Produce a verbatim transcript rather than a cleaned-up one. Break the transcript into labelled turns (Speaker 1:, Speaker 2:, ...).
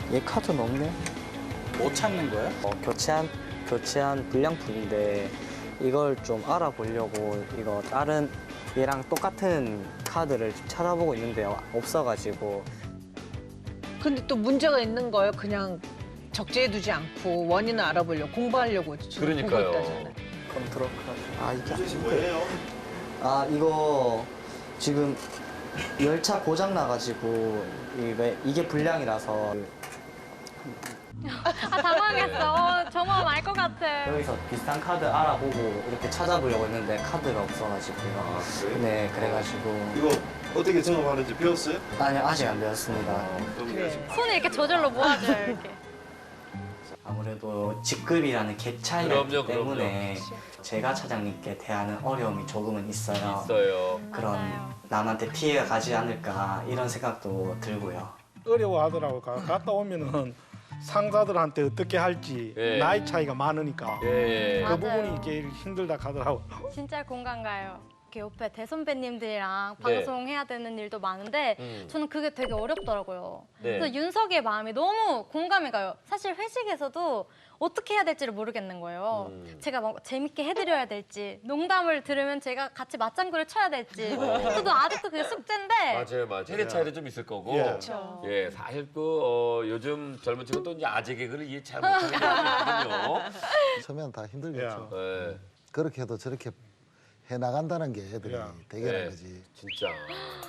Speaker 1: 얘 카드는 없네.
Speaker 2: 뭐 찾는 거예요?
Speaker 1: 어, 교체한 교체한 불량품인데 이걸 좀 알아보려고 이거 다른 얘랑 똑같은 카드를 좀 찾아보고 있는데요. 없어가지고.
Speaker 3: 근데 또 문제가 있는 거예요. 그냥 적재해두지 않고 원인을 알아보려고 공부하려고 지금
Speaker 4: 그러니까요.
Speaker 3: 보고 있다잖아요.
Speaker 1: 컨트롤 카드. 아 이게
Speaker 5: 이것이 뭐예요?
Speaker 1: 아 이거 지금 열차 고장 나가지고 이게, 이게 불량이라서
Speaker 6: 아 당황했어. 어, 저 마음 알 것 같아.
Speaker 1: 여기서 비슷한 카드 알아보고 이렇게 찾아보려고 했는데 카드가 없어가지고요.
Speaker 5: 아, 그래요?
Speaker 1: 네 그래가지고
Speaker 5: 이거 어떻게 작업하는지 배웠어요?
Speaker 1: 아니 아직 안 배웠습니다.
Speaker 5: 그럼
Speaker 3: 그래.
Speaker 5: 지금
Speaker 6: 손을 이렇게 저절로 모아줘요, 이렇게.
Speaker 1: 아무래도 직급이라는 갭 차이가
Speaker 4: 그럼요,
Speaker 1: 있기 때문에 제가 차장님께 대하는 어려움이 조금은 있어요.
Speaker 4: 있어요.
Speaker 1: 그런
Speaker 6: 맞아요.
Speaker 1: 남한테 피해가 가지 않을까 이런 생각도 들고요.
Speaker 7: 어려워하더라고. 가- 갔다 오면은 상사들한테 어떻게 할지
Speaker 4: 예.
Speaker 7: 나이 차이가 많으니까
Speaker 4: 예.
Speaker 7: 그
Speaker 6: 맞아요.
Speaker 7: 부분이 제일 힘들다 하더라고.
Speaker 6: 진짜 공감 가요. 이렇게 옆에 대선배님들이랑
Speaker 4: 네.
Speaker 6: 방송해야 되는 일도 많은데
Speaker 4: 음.
Speaker 6: 저는 그게 되게 어렵더라고요.
Speaker 4: 네.
Speaker 6: 그래서 윤석의 마음이 너무 공감이 가요. 사실 회식에서도 어떻게 해야 될지를 모르겠는 거예요.
Speaker 4: 음.
Speaker 6: 제가 막 재밌게 해드려야 될지, 농담을 들으면 제가 같이 맞장구를 쳐야 될지.
Speaker 4: 어.
Speaker 6: 저도 아직도 그게 숙제인데.
Speaker 4: 맞아요, 맞아요. 세대 차이도 좀 있을 거고.
Speaker 7: 예.
Speaker 6: 그렇죠.
Speaker 4: 예, 사실 그 어, 요즘 젊은 친구 또 이제 아재 개그를 이해 잘 못하는 거거든요.
Speaker 8: 처음엔 다 힘들겠죠.
Speaker 4: 예,
Speaker 8: 그렇게 해도 저렇게 해 나간다는 게 애들이
Speaker 7: 야.
Speaker 8: 대견한
Speaker 4: 네.
Speaker 8: 거지.
Speaker 4: 진짜.